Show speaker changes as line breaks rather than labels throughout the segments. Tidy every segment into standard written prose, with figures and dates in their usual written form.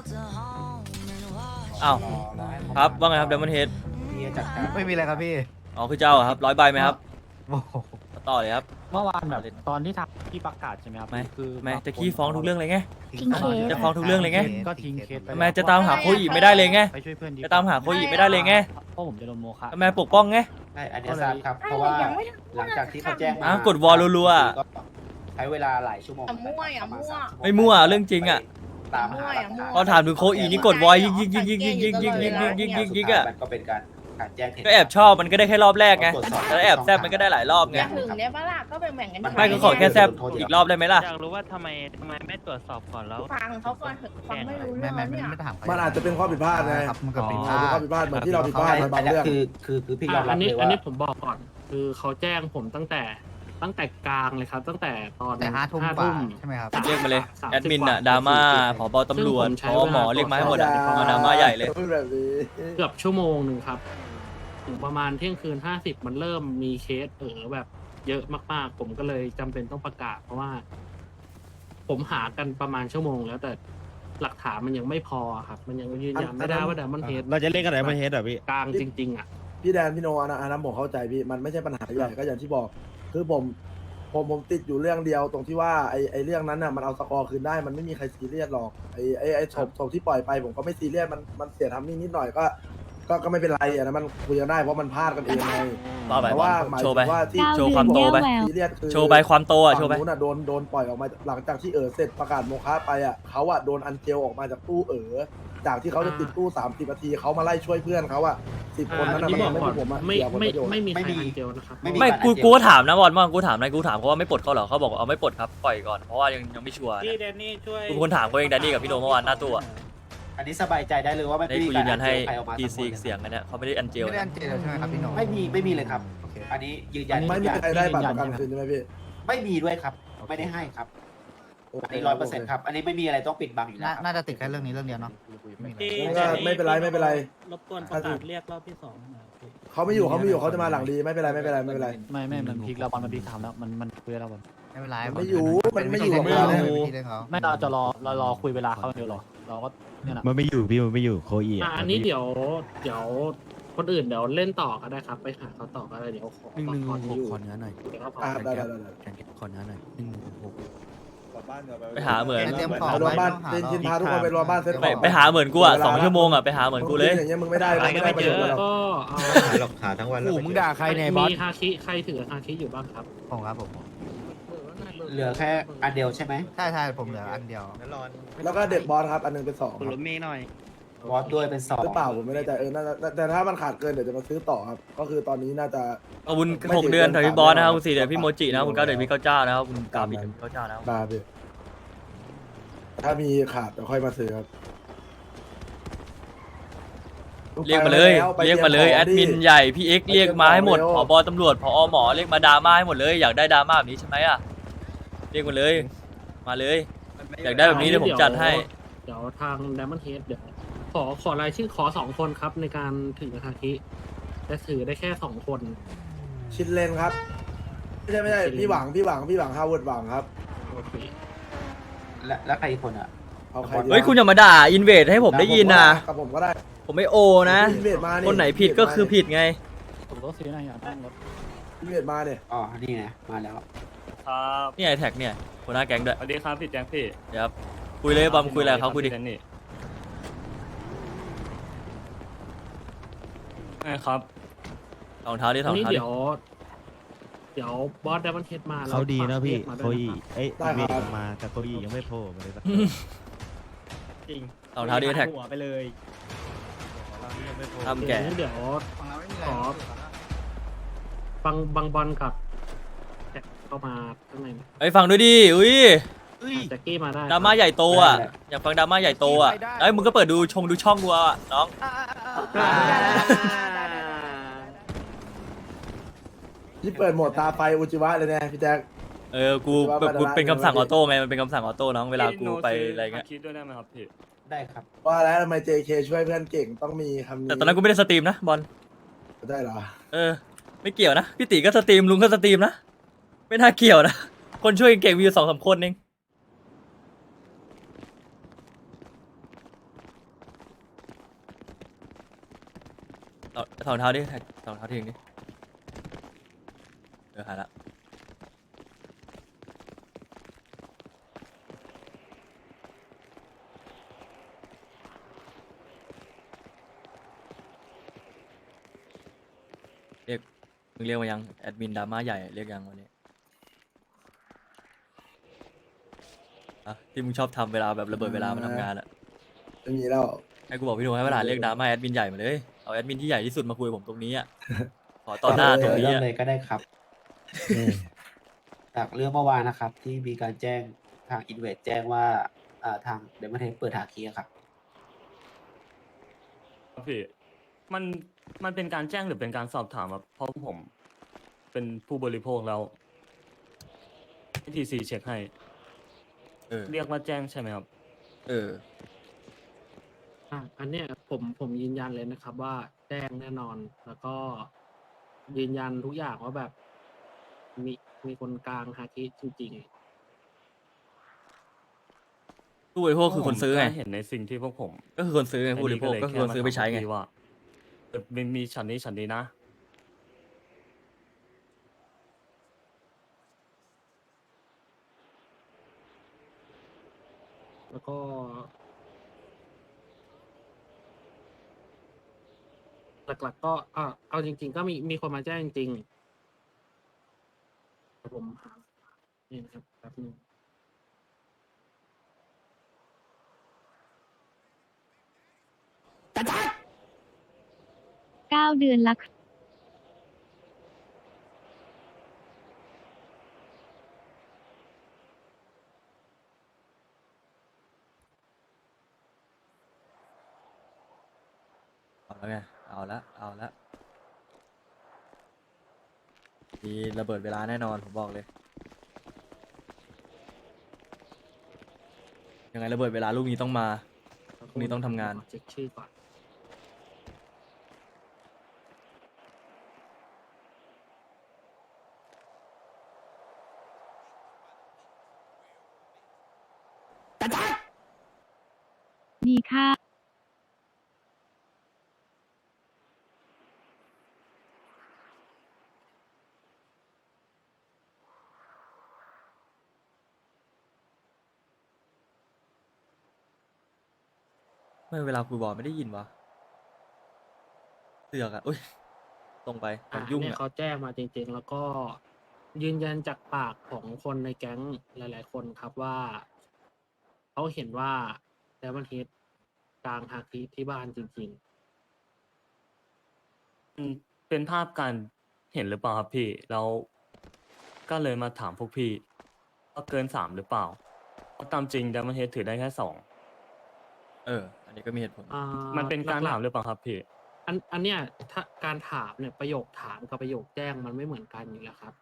อ้าวครับว่าไงครับเดมอนเฮด
ไม่มีอะไรครับพี่
อ๋อคือเจ้าครับ100 ใบไหมครับ
โอ้โห
ต่อเลยครับ
เมื่อวานแบบตอนที่ทำที่ประกาศใช่ไหมครับ
ไม่
คือ
ไม่จะขี้ฟ้องทุกเรื่องเลยไง
ทิ้งเคส
จะฟ้องทุกเรื่องเลยไง
ก็ทิ้งเคสไป
ทำไมจะตามหาโคอีไม่ได้เลยไง
ไปช่วยเพื่อนดีกว่
จะตามหาโคอีไม่ได้เลยไง
เพราะผมจะโดนโมฆะ
ทำไมปกป้องไง
ใช่อันนี้ทราบครับ เพราะว่าหลังจากที่เขาแจ้งมา
กดวอลรัวๆอะ
ก็ใช้เวลาหลายชั่วโมง
มั่วอย่ามั่ว
ไม่มั่วเรื่องจริงอะ
ตามหาหลักฐาน
พอถามถึงโคอีนี่กดวอยยิงยิงยิงยิงยิงยิงยิงยิงยิงยิงยิงยิงอะ
มันก็เป็นการแจ้งเหตุ
ก็แอบชอบมันก็ได้แค่รอบแรกไงแล้วแอบแซบมันก็ได้หลายรอบไง
อย่างหนึ่งเนี่ยปะล่ะก็แบ่งกัน
ไม่ก็ขอแค่แซบอีกรอบได้ไหมล่ะ
อยากรู้ว่าทำไมไม่ตรวจสอบก่อนแล้ว
ฟังเขาก่อนเถอะฟังไม่รู้
ไม่
เรื่อง
ไม่
เนี่ย
ไม่ถาม
มันอาจจะเป็นข้อผิดพลาดไง
ครับมันก็ผิดพ
เป็
ลาน
ข้อ
ด
ผิดพลาดเหมือนที่เราผิดพลาดในบางเรื่อง
คือพี่ยอมรั
อั
บ
นนี้
เลย
อัน
ว่า
นี้ผมบอกก่อน คือเขาแจ้งผมตั้งแต่กลางเลยครับ ตั้งแต่ตอน
แต่5 ทุ่มกว่าใช่ไหมครับ
เรียกมาเลย
30
แอดมิน
กว่
อะดราม่า
40
ผบตำรวจ
ซึ่ง
พ
ผมใช้
อหมอ
เวลา
เรียกมาให้หมด
อย่
อะมาดราม่าใหญ่เลย
พูดแบบนี้
เกือบชั่วโมงหนึ่งครับ ถึงประมาณเที่ยงคืน 50 มันเริ่มมีเคสแบบเยอะมากๆ ผมก็เลยจำเป็นต้องประกาศ เพราะว่า ผมหากันประมาณชั่วโมงแล้วแต่หลักฐานมันยังไม่พอครับ มันยังยืนยันไม่ได้ว่าแต่มันเฮด
เราจะเล่นกันไหนมาเฮดอ่ะพี่
กลางจริง ๆ อ่ะ
พี่แดนพี่โนอันนั้นผมเข้าใจพี่มันไม่ใช่ปัญหาใหญ่ก็อย่างที่บอก คือผมติดอยู่เรื่องเดียวตรงที่ว่าไอ้เรื่องนั้นน่ะมันเอาสกอร์คืนได้มันไม่มีใครซีเรียสหรอกไอ้ศพที่ปล่อยไปผมก็ไม่ซีเรียสมันเสียทำนิดหน่อยก็ไม่เป็นไรอ่ะนะมันคุยกันได้เพราะมันพลาดกันเองไง
ต่อไป
แต่ว่าหมาย
โช
ถึ
ว์ไป
งว่าที่
โชว์ความโตไป
ซีเรียสคือ
โชว์ใบความโตอะโชว์ไป
ฝั่งนู้นอ่ะโดนปล่อยออกมาหลังจากที่เสร็จประกาศโมฆะไปอ่ะเขาอ่ะโดนอันเจลออกมาจากตู้จากที่เขาจะติดตู้30 นาทีเขามาไล่ช่วยเพื่อนเขาอ่ะ10 คนนั้น
อั
น่ะ
น
มัน
นี้บอก
ทำให้
ก่อน
ผมอ่ะ
ไม่
เสียผล
ไม่
ประโยชน์
ไม่มีใคร
ไม่มี
อันเจลนะครับ
ไม่มี
ไม่กูก็ถามนะบอลว่ากูถามเขาว่าไม่ปลดเขาเหรอเขาบอกเอาไม่ปลดครับปล่อยก่อนเพราะว่ายังไม่ชัวร์
พี่แดนนี่ช่วย
กูเป็นคนถามเขาเองแดนนี่กับพี่โนเมื่อวานหน้าตู้อะ
อันนี้สบายใจได้เลยว่าไม่
ได้
มี
กู
กา
ยื
ร
นยันให้
ใครออกมา
TC เสียงอันเนี้ยเขาไม่ได้อันเจล
ไม่ได้
นะ
อันเจลใช่ไหมครับพี่โหน
ไม่มีเลยครับ
โอเค
อันนี้ยืนยัน
ไม่มีใครได้บัตรประกันคืนใช่ไหมพี่
ไม่มีด้วยครับ ไม่ได้ให้ครับ อันนี้100%ครับ อันนี้ไม่มีอะไรต้องปิดบังอยู่แล้วครับ
น่าจะติดแค่เรื่องนี้เรื่องเดียวเนาะไม่มีอะไร
ก็ไม่เป็นไร
รบกวนประกาศเรียกรอบที่2หน่อยพี่
เขาไม่อยู่เขาจะมาหลังดีไม่เป็นไร
ไม่มันพลิกแล้วบอลมันพลิกทำแล้วมันคุยแล้วบอล
ไม่เป็นไร
ไม่อยู่มันไม่อยู่
ไม่
กับ
เป็น
เรา
วิธีเรื่องเขา
ไม่เราจะรอคุยเวลาเขาเดียวหรอเราก็เนี่ยนะ
มันไม่อยู่พี่มันไม่อยู่โคอี
อันนี้เดี๋ยวคนอื่นเดี๋ยวเล่นต่อก็ได้ครับ ไปหาเขาต่อก็ได้เดี๋ยวขอ
ขอเนื้อหน่อย
เดี๋ยวเขาพอ
ได้
ขอเนื้อหน่อย
ไปหาเหมือน
เตรียมของ
รวมบ้านชินพาทุกคนไปรวมบ้านเซ็ตของ
ไปหาเหมือนกูอะ2 ชั่วโมงอะไปหาเหมือนกูเลย
อย่างเงี้ยมึงไม่ได้ประโยชน์หรอก
ก็เอา
หลอกหาทั้งวัน
โอ้มึงด่าใครเนี่ยบอส
มีฮาคิใครถือฮาคิอยู่บ้างครับ
ผมครับผม
เหลือแค่อันเดียวใช่ไหม
ใช่ผมเหลืออันเดียว
แล้วก็เด็กบอสครับอันนึงเป็น2
คุณรถเมย์หน่อย
บอสด้วยเป็น2
หรือเปล่าผมไม่แน่ใจน่าแต่ถ้ามันขาดเกินเดี๋ยวจะมาซื้อต่อครับก็คือตอนนี้น่าจะ
ขอบคุณ6 เดือนถอยพี่บอสนะครับคุณ4 เดือนพี่โมจินะครับคุณ9 เดือนพี่เก้าเจ้านะครับคุณกามินพี่เก้าเจ้านะครับ
ได้พี่ถ้ามีขาดเดี๋ยวค่อยมาซื้อครับ
เรียกมาเลยแอดมินใหญ่พี่เอ็กเรียกมาให้หมดผบตำรวจผอหมอเรียกมาดราม่าให้หมดเลยอยากได้ดราม่าแบบนี้ใช่ไหมอะเรียกมาเลยมาเลย อยากได้แบบนี้เดี๋ยวผมจัดให้
เดี๋ยวทาง Diamond Head เดี๋ยวขอรายชื่อขอ2 คนครับในการถือฮาคิจะถือได้แค่2 คน
ชินเลนครับไม่ใช่พี่หวังฮาวเวิร์ดหวังครับ
โอเค
และใครอีกคนอ่ะ
เอาใครดี
เฮ้ยคุณอย่ามาด่าอินเวดให้ผมได้ยินนะ
กับผมก็ได้
ผมไม่โอนะ
อินเวดมา
คนไหนผิดก็คือผิดไง
ผมก็ซื้อหน่อยอยากตั้งรถ
อินเวดมาเนี่ย
อ๋อ นี่ไงมาแล้ว
ครับ
นี่ไอแท็กเนี่ยหัวหน้าแก๊งด้วย
สวัสดีครับพี่แจ็คพี่
เดี๋ยวครับคุยเลยบอมคุยอะไรกับเขาคุยดิ
พี่แดนนี่ครับ
รองเท้าดิร
อั
อน ง
นี้
เท้าดิ
เดี๋ยวบอส Diamond Head มาแล้ว
เขาดีนะพี่
ฝาก
โค
เรียก
อี
มาด้วยนะครับ
เอ้ยเวทมาแต่โคอียังไม่โผล่มาเลยสัก
จริง
รองเท้าดิแท็ก
หัวไปเลย
ทำแก่
เดี๋ยวขอฟังบางบอลกับแจ็คเข้ามาข้างในหน่อย
ไอ้ยฟังด้วยดิอุ้ย
แจ็คกี้มาได้
ดราม่าใหญ่โตอ่ะอยากฟังดราม่าใหญ่โตอ่ะเอ้ยมึงก็เปิดดูช่องดูอ่ะน้อง
ที่เปิดโหมดตาไฟอุจิวะเลยเนี่ยพี่แจ็ค
กูแบบกูเป็นคำสั่งออโต้ไงมันเป็นคำสั่งออโต้น้องเวลากูไปอะไรเงี้ย
คิดด้วยได้ไหมครับพี่
ได้ครับ
ว่าแล้วทำไม JK ช่วยเพื่อนเก่งต้องมีคำนี้
แต่ตอนนั้นกูไม่ได้สตรีมนะบอล
ได้เหรอ
ไม่เกี่ยวนะพี่ติก็สตรีมลุงก็สตรีมนะไม่น่าเกี่ยวนะคนช่วยเก่งมีอยู่2-3 คนเองสองเท้าดิสองเท้าทิ้งดิหายละเรียกมึงเรียกมายังแอดมินดราม่าใหญ่เรียกยังวันนี้อะที่มึงชอบทำเวลาแบบระเบิดเวลามาทำงานอะ
ไม่มีแล้ว
ให้กูบอกพี่หนุ่มให้เวลาเรียกดราม่าแอดมินใหญ่มาเลยเอาแอดมินที่ใหญ่ที่สุดมาคุยกับผมตรงนี้อ่ะ ขอต่อหน้าตรงนี้
เริ่ม
อะ
เลยก็ได้ครับ จากเรื่องเมื่อวานนะครับ ที่มีการแจ้งทางอินเวสแจ้งว่าทางเดมอนเทสเปิดหาคีย์ครับ
ครับพี่มันเป็นการแจ้งหรือเป็นการสอบถามครับเพราะผมเป็นผู้บริโภคแล้วทีซีเช็คให้ เรียกว่าแจ้งใช่ไหมครับ
อันเนี้ยผมยืนยันเลยนะครับว่าแจ้งแน่นอน แล้วก็ยืนยันทุกอย่างว่าแบบมีคนกลางฮาคิจริง
ผู้บริโภคคือคนซื้อไง
เห็นในสิ่งที่พวกผม
ก็คือคนซื้อไงผู้บริโภคก็คือคนซื้อไปใช้ไง
ว่ามันมีฉันนี้นะ
ๆ แล้วก็หลักๆก็เอาจริง ๆ ก็มีคนมาแจ้งจริงๆผมหานี่นะครับแป๊บนึง
9 เดือนละ
เอาแล้วไงเอาละมีระเบิดเวลาแน่นอนผมบอกเลยยังไงระเบิดเวลาลูกนี้ต้องมาลูกนี้ต้องทำงาน
เช็คชื่อก่อน
ดีค่ะ
ไม่เวลาคุยบอลไม่ได้ยินวะเสือกอ่ะอุ้ยตรงไปมันยุ่ง
เนี่ย
อ่ะ
เขาแจ้งมาจริงๆ แล้วก็ยืนยันจากปากของคนในแก๊งหลายๆ คนครับว่าเขาเห็นว่าแดมอนเฮดกลางฮาคิที่บ้านจริง
เป็นภาพการเห็นหรือเปล่าครับพี่ แล้วก็เลยมาถามพวกพี่ว่าเกิน3หรือเปล่าเพราะตามจริง Diamond Head ถือได้แค่2
อันนี้ก็มีเหตุผล
ๆ
มันเป็นการ
หลั
ถามหรือเปล่าครับพี่
อันเนี้ยถ้าการถามเนี่ยประโยคถามกับประโยคแจ้งมันไม่เหมือนกันอยู่แล้วครับ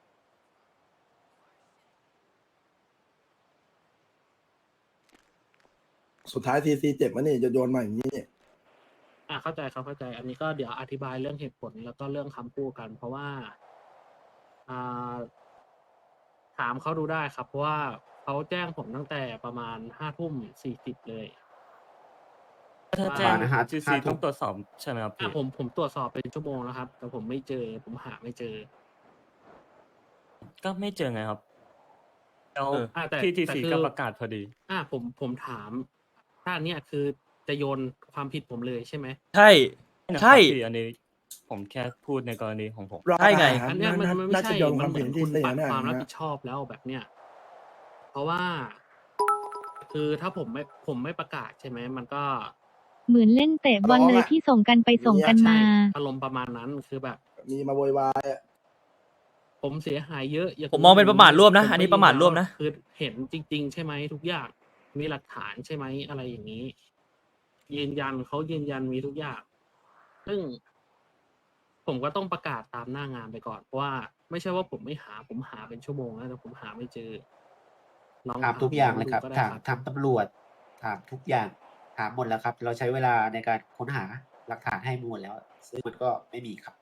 สุดท้ายทีซีเจ็บมันนี่จะโยนมาอย่างนี้
เข้าใจครับเข้าใจ อันนี้ก็เดี๋ยวอธิบายเรื่องเหตุผลแล้วก็เรื่องคำพูดกัน เพราะว่าอ่าถามเขาดูได้ครับ เพราะว่าเขาแจ้งผมตั้งแต่ประมาณ5:40เลย
ถ้าแจ้ง
นะฮะ
GC ต้องตรวจสอบใช่ไหมครับพี่
ผมตรวจสอบเป็นชั่วโมงแล้วครับ แต่ผมไม่เจอ ผมหาไม่เจอ
ก็ไม่เจอไงครับ แล้ว
แต่
ที่
แต่
TC
คือ
ก็ประกาศพอดี
ผมถาม ถ้าอันเนี้ยคือจะโยนความผิดผมเลยใช่ไหม
ใช่
นะครับ
ใช่
พี่อันนี้ผมแค่พูดในกรณีของผม
ใช่ไง
อันเนี้ยมันไม่
น่า
ใช่
จะโยนค
มั
วาน ม
เหมื
ผิ
อ
ด
น
ที่
คุณ
เสีย
ปัด
เนี่ย
ความรับ
นะ
ผิดชอบแล้วแบบเนี้ย เพราะว่า คือถ้าผมไม่ประกาศใช่ไหม มันก็
เหมือนเล่นเตะบอลเลยที่ส่งกันไปส่งกันมา
อารมณ์ประมาณนั้นคือแบบ
มีมาโวยวาย
ผมเสียหายเยอะย่า
ผมมองเป็นประมาทร่วมนะ
ผ
อันนี้ประมาทร่วมนะ
คือเห็นจริง ๆ ใช่ไหมทุกอย่างมีหลักฐานใช่ไหมอะไรอย่างนี้ ยืนยันเขายืนยันมีทุกอย่าง ซึ่ง ผมก็ต้องประกาศตามหน้างานไปก่อนเพราะว่าไม่ใช่ว่าผมไม่หาผมหาเป็นชั่วโมงแล้วแต่ผมหาไม่เจอลอง
ถามทุกอย่างเลยครับ
ดูก็ได้
ถามตำรวจ ถามทุกอย่าง ถามหมดแล้วครับ เราใช้เวลาในการค้นหาหลักฐานให้หมดแล้ว ซึ่งมันก็ไม่มีครับ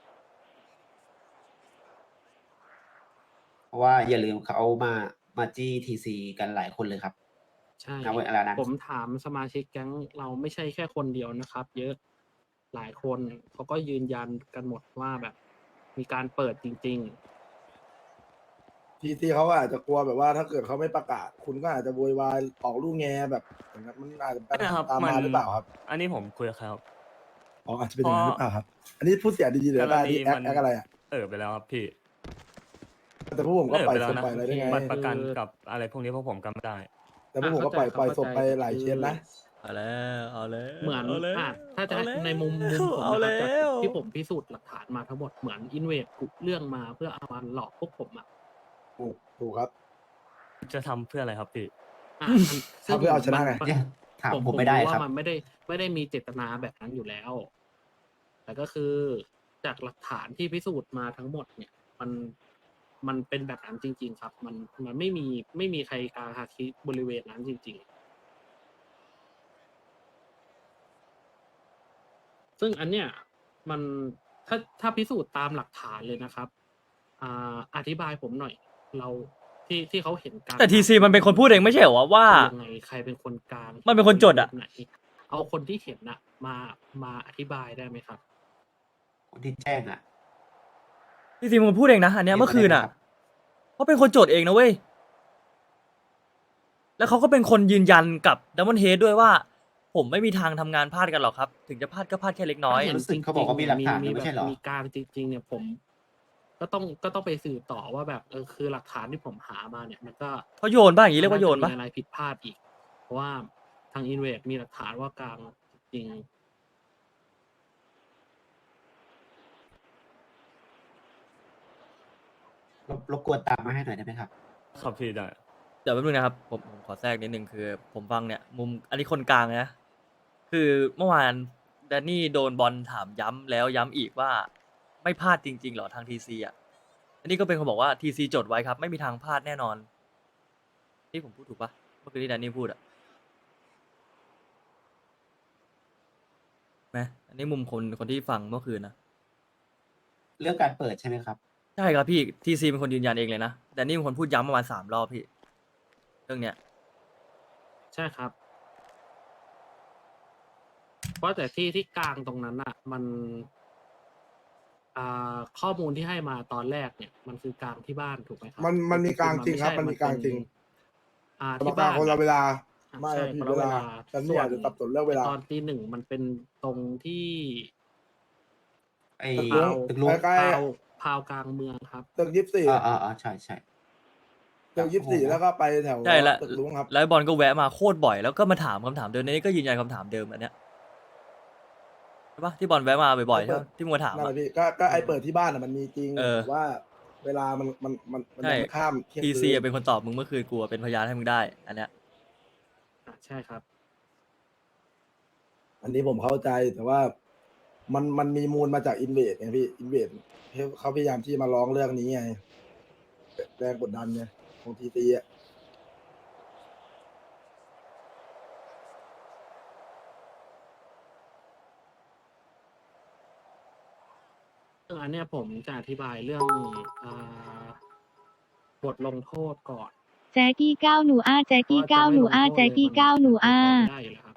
เพราะว่าอย่าลืมเขามาจี้ทีซีกันหลายคนเลยครับ
ใช่
ณเวลานั้น
ผมถามสมาชิกแก๊งเราไม่ใช่แค่คนเดียวนะครับ เยอะหลายคนเขาก็ยืนยันกันหมดว่าแบบมีการเปิดจริง
ทีเขาอาจจะกลัวแบบว่าถ้าเกิดเขาไม่ประกาศ คุณก็อาจจะโวยวายออกลูกแงแบบอย่างนั้นมันอาจจะเป็นปัญหาตามมาหรือเปล่าครับ
อันนี้ผมคุยกับเขา
อ๋ออาจจะเป็นอย่างนั้นหรือเปล่าครับ อันนี้พูดเสียดีๆเลยได้ที่แอคอะไรอ่ะ
ไปแล้วครับพี่
แต่พวกผมก็ปล่อย
ไปแล้
ศ
ว
พ
นะ
ปล่อยอะไรได้ไง
บัตรประกันกับอะไรพวกนี้พวกผมกันไม่ได้
แต่พวกผมก็ปล่อย
เข้าใจ
ศพไปหลายเคสนะ
เอาแล้วเอาแล้ว
เหมือน
าแล้ว
ถ้าจะ
เอแล้ว
ในมุมผม
เอา
นะ
แล้
ครับจาก
ว
ที่ผมพิสูจน์หลักฐานมาทั้งหมดเหมือนอินเวดกุเรื่องมาเพื่อเอามาหลอกพวกผมอ่ะ
ถูกครับ
จะทำเพื่ออะไรครับพี่
อ่ะ
ทำเพื่อเอาชนะไง
เนี่ยถามผมไม่ได้
รู้
ครับ
ว่ามันไม่ได้มีเจตนาแบบนั้นอยู่แล้ว แต่ก็คือจากหลักฐานที่พิสูจน์มาทั้งหมดเนี่ย มันเป็นแบบนั้นจริง ๆ ครับ มันไม่มีใครกลางฮาคิบริเวณนั้นจริง ๆ ซึ่งอันเนี้ยมันถ้าพิสูจน์ตามหลักฐานเลยนะครับอธิบายผมหน่อย เราที่เขาเห็นการ
แต่ทีซีมันเป็นคนพูดเองไม่ใช่เหรอว่า
ยังไงใครเป็นคนกลาง
มันเป็นคนจดอะ
ไหนเอาคนที่เห็นอะมาอธิบายได้ไหมครับ
คนที่แจ้งอ่ะ
ทีซีมันพูดเองนะอันเนี้ยเมื่อคืนอ่ะเขาเป็นคนโจทย์เองนะเว้ยแล้วเขาก็เป็นคนยืนยันกับดัมเบิลเฮดด้วยว่า ผมไม่มีทางทำงานพลาดกันหรอกครับ ถึงจะพลาดก็พลาดแค่เล็กน้อย
รู้สึกเขาบอกว่ามีหลักฐานอยู่ไม่ใช่เหรอ
มีการจริง ๆ เนี่ยผม ก็ต้องไปสืบต่อว่าแบบคือหลักฐานที่ผมหามาเนี่ย มันก็
เขาโยนป่ะอย่างนี้เรียกว่าโยนป่ะ
มีอะไรผิดพลาดอีก เพราะว่าทางอินเวดมีหลักฐานว่ากลางจริง
รบกวนตามมาให้หน่อยได้ไหมครับ
ครับพี่ได้
เดี๋ยวแป๊บนึงนะครับผมขอแทรกนิดนึงคือ ผมฟังเนี่ย มุมอันนี้คนกลางนะ คือเมื่อวานแดนนี่โดนบอลถามย้ำแล้วย้ำอีกว่า ไม่พลาดจริงๆหรอทางทีซีอ่ะ อันนี้ก็เป็นคนบอกว่าทีซีจดไว้ครับ ไม่มีทางพลาดแน่นอน นี่ผมพูดถูกปะเมื่อกี้ที่แดนนี่พูดอ่ะไหมอันนี้มุมคนที่ฟังเมื่อคืนนะ
เรื่องการเปิดใช่ไหมครับ
ใช่ครับพี่ทีซีเป็นคนยืนยันเองเลยนะแดนนี่เป็นคนพูดย้ำประมาณ3 รอบพี่ เรื่องเนี้ย
ๆ ใช่ครับ เพราะแต่ที่กลางตรงนั้นอ่ะ มันข้อมูลที่ให้มาตอนแรกเนี่ย มันคือกลางที่บ้านถูกไหมครับ
มันมีกลางจริงครับ มันมีกลางจริง
ที่
ที่
บ้า
บ้าน นคนละเวลา ไม่
ใช่
ผิด
คนละ
เวลา แต่นี่อาจจะสับสนเรื่องเวลา
ตอนตี 1มันเป็นตรงที่
ไอ้
ตึกลุง
ตึกลุง
ใกล้
พาวกลางเมืองครับ
ตึก24
ใช่ใช่
ตึก24แล้วก็ไปแถว
ใช่แล้ว
ตึกลุงครับ
แล้วบอลก็แวะมาโคตรบ่อยแล้วก็มาถามคำถามเดิมในนี้ก็ยืนยันคำถามเดิมอันเนี้ยใช่ปะที่บอลแวะมาบ่อยๆใช่ปะที่มึงมาถาม
นั่นแห
อะ
ละพี่ก็ไอเปิดที่บ้านอ่ะมันมีจริง
เออ
แต่ว่าเวลามัน
ใช่
ยังข้ามเที่ยง
ที
คื
ซี
น
เป็นคนตอบมึงเมื่อคืนกูเป็นพยานให้มึงได้ อันเนี้ย
ใช่ครับ
อันนี้ผมเข้าใจแต่ว่ามันมีมูลมาจากอินเวดไงพี่อินเวดเขาพยายามที่มาร้องเรื่องนี้ไงแรงกดดันไงของทีซีอ่ะ
ซึ่งอันเนี้ยผมจะอธิบายเรื่องบทลงโทษก่อน
แจ๊กี้ก้าวหนูอ้าแจ๊กี้ก้าวหนูอ้าแจ๊กี้ก้าวหนูอ้า
ไม่ได้อยู่แล้วครับ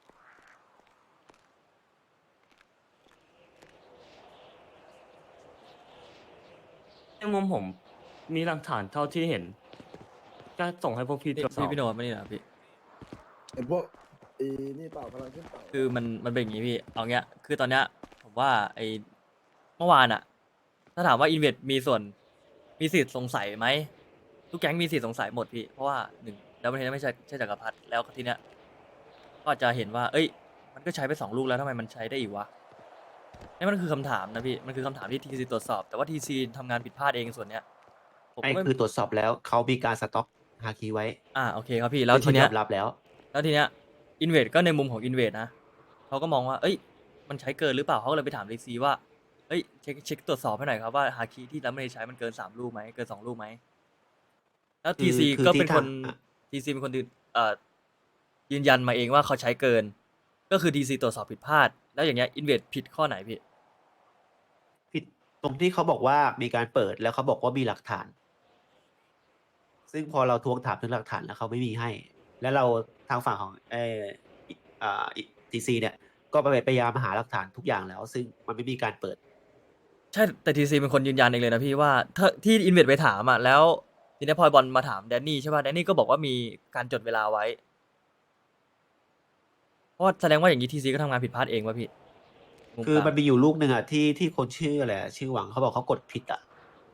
ในมุมผมมีหลักฐานเท่าที่เห็น ก็ส่งให้พวกพี่ตรวจสอบ
พี่โนไม่นี่นะพี่
เห็นพวกนี่เปล่ากำลังขึ้นเปล่า
คือมันเป็นอย่างนี้พี่เอาเงี้ยคือตอนเนี้ยผมว่าไอเมื่อวานอะถ้าถามว่าอินเวดมีส่วนมีสิทธิ์สงสัยไหมทุกแก๊งมีสิทธิ์สงสัยหมดพี่เพราะว่า1แล้วมันไม่ใช่จักรพรรดิแล้วทีเนี้ยก็อาจจะเห็นว่า เอ้ย มันก็ใช้ไป2 ลูกแล้วทำไมมันใช้ได้อีกวะนี่มันคือคำถามนะพี่มันคือคำถามที่ทีซีตรวจสอบแต่ว่าทีซีทำงานผิดพลาดเองส่วนเนี้ยผม
ไอ้
ก็ไม่
คือตรวจสอบแล้วเขามีการสต็อกฮาคีไว้
โอเคครับพี่แล้วที
ที่
เนี้
ย
ย
อมรับแล้ว
แล้วทีเนี้ยอินเวดก็ในมุมของอินเวดนะเขาก็มองว่า เอ้ย มันใช้เกินหรือเปล่าเขาก็เลยไปถามดีซีว่าเอ้ยเช็คตรวจสอบให้หน่อยครับว่าฮาคิที่แล้วไม่ได้ใช้มันเกิน3 ลูกไหมเกิน2 ลูกไหมแล้วทีซี
คือ
ก็
ที่
เป็นคน
ทาง
ทีซีเป็นคนยืนยันมาเองว่าเขาใช้เกิน ก็คือทีซีตรวจสอบผิดพลาด แล้วอย่างเงี้ยอินเวดผิดข้อไหนพี่
ผิดตรงที่เขาบอกว่ามีการเปิดแล้วเขาบอกว่ามีหลักฐาน ซึ่งพอเราทวงถามถึงหลักฐานแล้วเขาไม่มีให้ แล้วเราทางฝั่งของทีซีเนี่ยก็พยายามหาหลักฐานทุกอย่างแล้ว ซึ่งมันไม่มีการเปิด
ใช่แต่ทีซีเป็นคนยืนยันเองเลยนะพี่ว่าถ้าที่อินเวดไปถามอ่ะแล้วทีนี้พอบอลมาถามแดนนี่ใช่ป่ะแดนนี่ก็บอกว่ามีการจดเวลาไว้เพราะว่าแสดงว่าอย่างนี้ทีซีก็ทำงานผิดพลาดเองวะพี่มุ
คือ
กลาง
มันมีอยู่ลูกหนึ่งอ่ะที่คนชื่ออะไรอะชื่อหวังเขาบอกเขากดผิดอ่ะ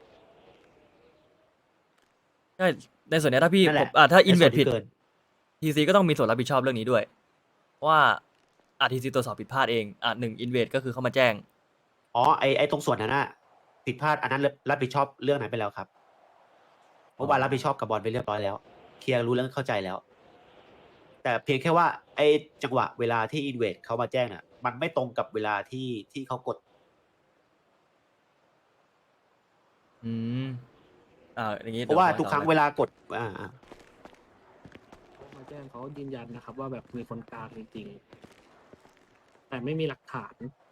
ใช่ในส่วนเนี้ยถ้าพี่
นั่นแหละ
ถ้าอินเว
ในส่
ด
วนที่
ผิด
เกิน
ทีซีก็ต้องมีส่วนรับผิดชอบเรื่องนี้ด้วยเพราะว่าทีซีตรวจสอบผิดพลาดเองหนึ่งอินเวดก็คือเขามาแจ้ง
อ๋อไอตรงส่วนนั้นน่ะผิดพลาดอันนั้นรับผิดชอบเรื่องไหนไปแล้วครับเมื่อวานรับผิดชอบกับบอลไปเรียบร้อยแล้วเคลียร์รู้เรื่องเข้าใจแล้ว แต่เพียงแค่ว่าไอจังหวะเวลาที่อินเวดเขามาแจ้งน่ะมันไม่ตรงกับเวลาที่เขากด
อืมอย่างนี้
เพราะว่า
ดี๋ย
ทุกครั้ง
อไ
เวลากด
เขามาแจ้งเขายืนยันนะครับ ว่าแบบมีคนกลางจริงๆแต่ไม่มีหลักฐาน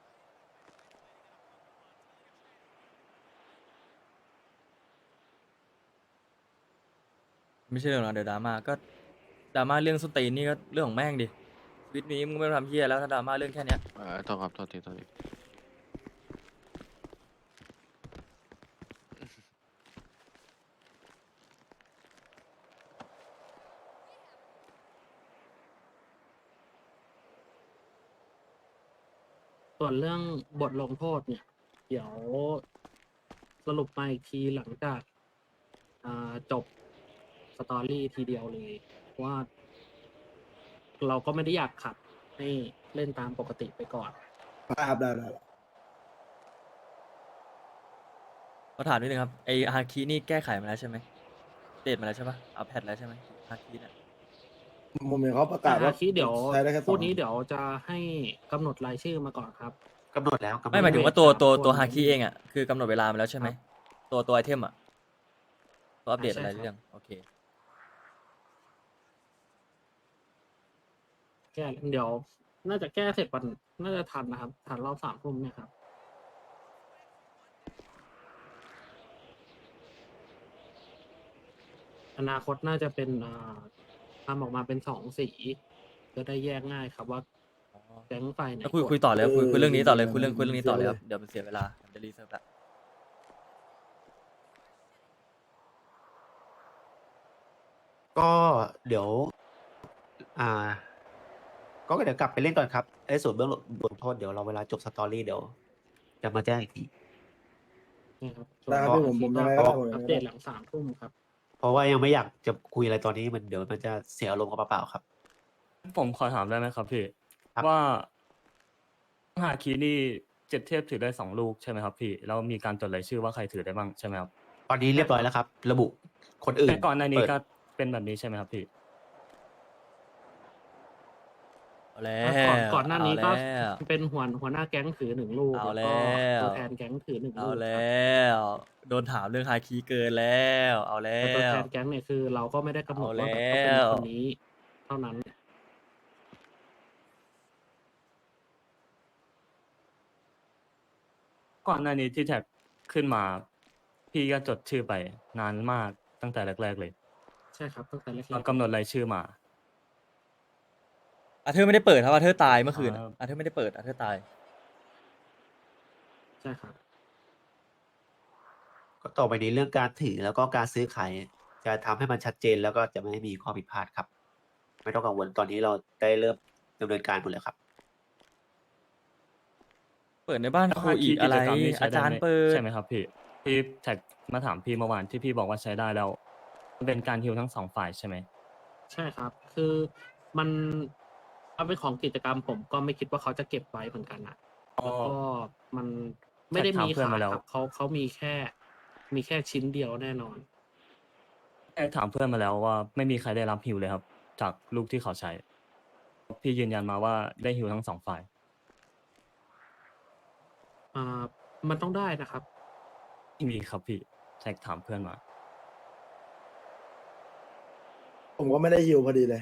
ไม่ใช่เรื่องหรอกเดี๋ยวดราม่าก็ดราม่าเรื่องส้นตีนนี่ก็เรื่องของแม่งดิชีวิตนี้มึงไม่ต้องทำเหี้ยแล้วถ้าดราม่าเรื่องแค่เนี้ย
โทษครับโทษทีโทษที
ส่วนเรื่องบทลงโทษเนี่ย เดี๋ยวสรุปมาอีกทีหลังจากจบสตอรี่ทีเดียวเลยเพราะว่า เราก็ไม่ได้อยากขัดให้เล่นตามปกติไปก่อน
ได้ครับได้
ขอถามนิดนึงครับไอฮาคินี่แก้ไขมาแล้วใช่ไหมเดตมาแล้วใช่ปะอัปเดตแล้วใช่ไหมฮาคิเนี่ย
ผมเห็นเขาประกาศ
แต่
ว่า
คิดเดี๋ยว
ใช้ได้แค่
พูดนี้เดี๋ยวจะให้กำหนดรายชื่อมาก่อนครับ
กำหนดแล้วกำหนด
ไม่หมายถึงว่า
สาม
ตัว
คน
ฮาคิเองอ่ะคือกำหนดเวลามาแล้วใช่ไหมตัวไอเทมอ่ะตัวอัปเดต
ใช่
อะไร
ครับ
เรื่องโอเค
แก้เดี๋ยว น่าจะแก้เสร็จวันน่าจะทันนะครับทันรอบ3 ทุ่มเนี่ยครับ อนาคตน่าจะเป็นทำออกมาเป็น2 สีจะได้แยกง่ายครับว่าแก๊งไฟไหน
แล้วคุย
กด
คุยต่อเลยครับคุยเรื่องนี้ต่อเลยคุยเรื่องนี้ต่อเลยครับเดี๋ยวมันเสียเวลาเดี๋ยวรีเซิร์ฟละ
ก็เดี๋ยว ก็เดี๋ยวกลับไปเล่นก่อนครับไอ้ส่วนเบื้องลงโทษเดี๋ยวเราเวลาจบสตอรี่เดี๋ยวจะมาแจ้งอีกที
นี่ครับ
ได้ครับพี่ผมยังไงก็ได้ผมยังไงก็ได้
อัปเดตหลัง3 ทุ่มครับ
เพราะว่ายังไม่อยากจะคุยอะไรตอนนี้มันเดี๋ยวมันจะเสียอารมณ์กับเปล่าๆครับ
ผมขอถามได้ไหมครับพี่
ครับ
ว่าฮาคินี่7 เทพถือได้ 2 ลูกใช่ไหมครับพี่แล้วมีการจดรายชื่อว่าใครถือได้บ้างใช่ไหมครับ
ตอนนี้เรียบร้อยแล้วครับ ระบุคนอื่น
แต่ก่อนหน้านี้
เปิด
ก็เป็นแบบนี้ใช่ไหมครับพี่
เอาแล้
ก่อนหน้านี้ก็
เอาแล้ว
เป็นหัวหน้าแก๊งถือ1 ลูก
เอา
แล้วก็
แล้ว
ตัวแทนแก๊งถือ1 ลูก
เอา
ค
แล
รับ้
วโดนถามเรื่องฮาคิเกินแล้วเอาแล้
แต่ตัว
ว
แทนแก๊งเนี่ยคือเราก็ไม่ได้กำหนดว่าแบบ
เอา
ต้อง
แล้
เป็น
ว
คนนี้เท่านั้น
ก่อนหน้านี้ที่แท็กขึ้นมา พี่ก็จดชื่อไปนานมากตั้งแต่แรกๆเลย
ใช่ครับตั้งแต่แรก
เรากำหนดรายชื่อมา
อาเธอร์ไม่ได้เปิดครับอาเธอร์ตายเมื่อคืน
ครับ
อาเธอร์ไม่ได้เปิดอาเธอร์ตาย
ใช่ครับ
ก็ต่อไปนี้เรื่องการถือแล้วก็การซื้อขายจะทำให้มันชัดเจนแล้วก็จะไม่มีข้อผิดพลาดครับ ไม่ต้องกังวลตอนนี้เราได้เริ่มดำเนินการหมดแล้วครับ
เปิดในบ้านครูอีกอะไร
กิจกมนี้ใช้
อา
ได้
จาร
ไหม
ย์เปิด
ใช่ไหมครับพี่ที่แท็กมาถามพี่เมื่อวานที่พี่บอกว่าใช้ได้แล้วมันเป็นการฮิวทั้ง2 ฝ่ายใช่ไหม
ใช่ครับ คือมันเป็นของกิจกรรมผมก็ไม่คิดว่าเขาจะเก็บไว้เหมือนกันนะ
อ๋อ
แล้วก็มันไม่ได้มี
ถามเพื่อน
ขาย
มาแล้ว
ครับเขามีแค่ชิ้นเดียวแน่นอน
ถามเพื่อนมาแล้วว่าไม่มีใครได้รับฮิวเลยครับ จากลูกที่เขาใช้ พี่ยืนยันมาว่าได้ฮิวทั้ง2 ฝ่าย
มันต้องได้นะครับ
ไม่มีครับพี่แท็กถามเพื่อนมา
ผมก็ไม่ได้ฮิวพอดีเลย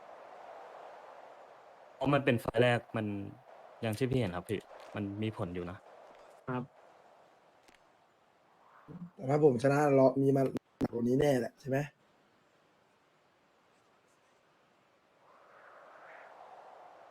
เพราะมันเป็นไฟล์แรกมันอย่างที่พี่เห็นครับพี่มันมีผลอยู่นะ
ครับ
แต่ถ้าผมชนะเรามีมาหนักกว่านี้แน่แหละใช่ไหม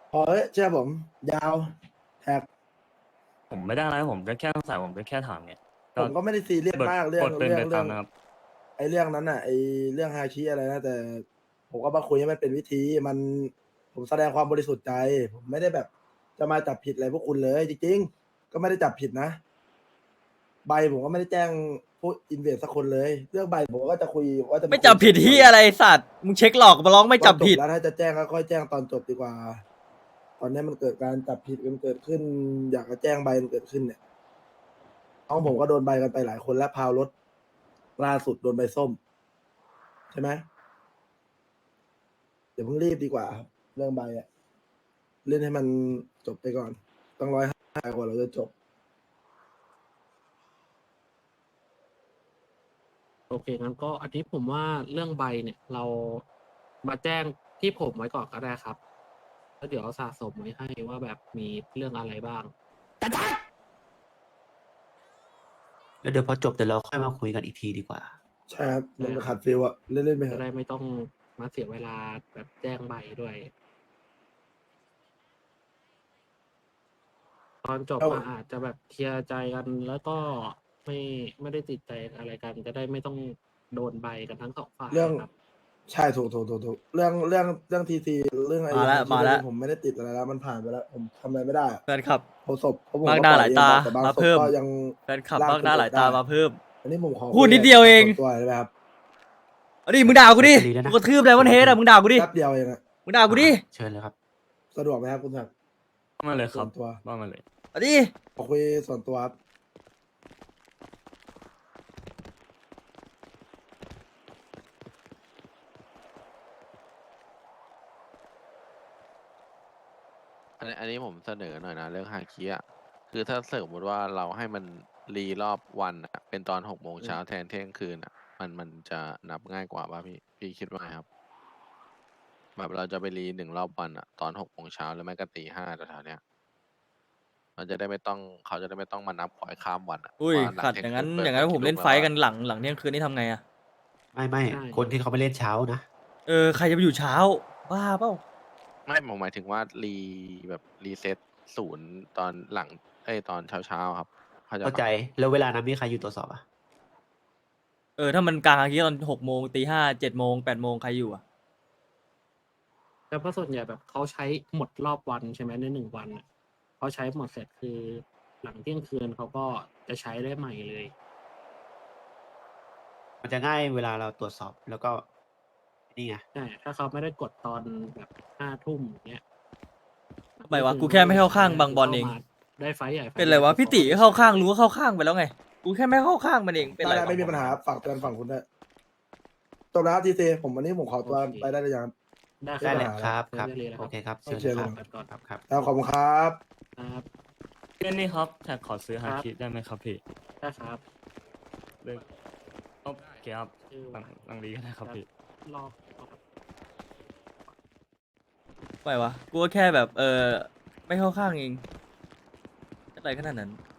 พอเอ้ยเชื่อผม ยาวแท็ก
ผมไม่ได้อะไรผมก็แค่สงสัยผมก็แค่ถามไง
ผมก็ไม่ได้ซีเรียสมากเรื่อง
กดเป็นไป
เรื่
ตามนะครับ
ไอ้เรื่องนั้นน่ะไอ้เรื่องฮาคิอะไรนะแต่ ผมก็มาคุยให้มันเป็นวิธีมันผมแสดงความบริสุทธิ์ใจ ผมไม่ได้แบบจะมาจับผิดอะไรพวกคุณเลยจริงๆก็ไม่ได้จับผิดนะ ใบผมก็ไม่ได้แจ้งผู้อินเวสสักคนเลย เรื่องใบผมก็จะคุยว่าจะ
ไม่จับผิดที่อะไรไอ้สัตว์มึงเช็คหลอกมาร้องไม่จับผิด
แล้วถ้าจะแจ้งก็ค่อยแจ้งตอนจบดีกว่า ตอนนี้มันเกิดการจับผิดกันเกิดขึ้น อยากจะแจ้งใบมันเกิดขึ้นเนี่ยน้องผมก็โดนใบกันไปหลายคนแล้วพาวรถล่าสุดโดนใบส้ม ใช่ไหมเดี๋ยวเพิ่งรีบดีกว่าครับเรื่องใบอะเล่นให้มันจบไปก่อนต้อง150กว่าเราจะจบ
โอเคงั้นก็อันนี้ผมว่าเรื่องใบเนี่ย เรามาแจ้งที่ผมไว้ก่อนก็ได้ครับ แล้วเดี๋ยวสะสมไว้ให้ว่าแบบมีเรื่องอะไรบ้าง
แล้วเดี๋ยวพอจบเดี๋ยวเราค่อยมาคุยกันอีกทีดีกว่า
ใช่ครับมันขาดฟิลอะเล่นๆไปเถ
จะ
อะ
ได้ไม่ต้องมาเสียเวลาแบบแจ้งใบด้วย ตอนจบมาอาจจะแบบเคลียร์ใจกัน แล้วก็ไม่ได้ติดใจอะไรกัน จะได้ไม่ต้องโดนใบกันทั้งสองฝ่าย
เรื่อง
ครับ
ใช่ถูกเรื่องทีซีเรื่องไอ้
มาแล้ว
ผมไม่ได้ติดอะไรแล้วมันผ่านไปแล้ว ผมทำอะไรไม่ได้อะ
แฟนคลับ
ผมศพเพราะผม
มาก
ก็
หน้า
ป
ห
ล่
ลาย
อย
ตา
แต่บาง
มา
ศพ
เพิ่ม
ก็ยัง
แฟนคลับมากหน้าหลายตามาเพิ่ม
อันนี้ผมขอ
พูดนิดเดียวเอง
ส่นตัวได้ไหมครับ
เอาดิมึงด่ากูดิ
ดีแล้วนะ
กูกระทืบเลยวันเฮดอะมึงด่ากูดิ
แป๊บเดียวเองอะ
มึงด่ากูดิ
เชิญเลยครับ
สะดวกไหมครับคุณศักดิ์
ว่ามาเลยครับ
ส่วนตัว
ว่ามาเลย
เอาดิ
ขอคุยส่วนตัวครับ
อันนี้ผมเสนอหน่อยนะเรื่องฮาคิอ่ะคือถ้าสมมติว่าเราให้มันรีรอบวันอะเป็นตอน6 โมงเช้าแทนเที่ยงคืนอ่ะ มันจะนับง่ายกว่าป่ะพี่คิดว่าไงครับ แบบเราจะไปรี1 รอบวันอ่ะตอน6 โมงเช้าแล้วไม่ก็ตี 5แถวๆเนี้ยเราจะได้ไม่ต้องเขาจะได้ไม่ต้องมานับขอยข้ามวันอ่ะ
อุ้ย
ว่าหลั
ขัด
เที่
อย่างนั้น
คื
อย่างนั้น
ปิด
ผมเล่น
กี่
ไฟ
ลู
ท์
แว
กันหลังเที่ยงคืนนี่ทำไงอะ
ไม่
ใช่
คนที่เขาไม่เล่นเช้านะ
เออใครจะไปอยู่เช้าบ้าเปล่า
ไม่ผมหมายถึงว่าแบบรีเซ็ตศูนย์ตอนหลังตอนเช้าครับเขาใจ
เข้าใจ
ปะ
แล้วเวลานั้นมีใครอยู่ตรวจสอบอ่ะ
เออถ้ามันกลางอาทิตย์ตอน6 โมงตี 5 7 โมง8 โมงใครอยู่อะ
แต่เพราะส่วนใหญ่แบบเขาใช้หมดรอบวันใช่ไหมใน1 วันน่ะเขาใช้หมดเสร็จคือหลังเที่ยงคืนเขาก็จะใช้ได้ใหม่เลย
มันจะง่ายเวลาเราตรวจสอบแล้วก็นี่ไง
ใช่ ถ้าเขาไม่ได้กดตอนแบบ5 ทุ่มเนี้ย
ทำไมวะกูแค่ไม่เข้าข้างบางบอลเอง
ข้ามาได้ไฟท์ใหญ่ฟท์
เป็นไรวะพี่ติเข้าข้างรู้ว่าเข้าข้างไปแล้วไงกูแค่ไม่เข้าข้างมันเองเป็นไร
ได้
วะ
ไม่มีปัญหาฝากเตือนฝั่งคุณด้วยจบแล้วครับทีซีผมวันนี้ผมขอตัวไปได้เลยยัง
ได้เลยครับ
ได้
ครับ
เลยนะ
โอเคครับ
โอเค
เชิญ
เล
เลย ย
ก่อน
ครับครับ
แล้วขอบคุณครับ
ครับ
เล่นนี่ครับแท็กขอซื้อฮาคิได้ไหมครับพี่
ได้ครับ
โอเคครับ
ชื่อ
หลังนี้ก็ได้ครับพี่
รอ
ไม่วะกูก็แค่แบบไม่เข้าข้างเองอะไรขนาดนั้น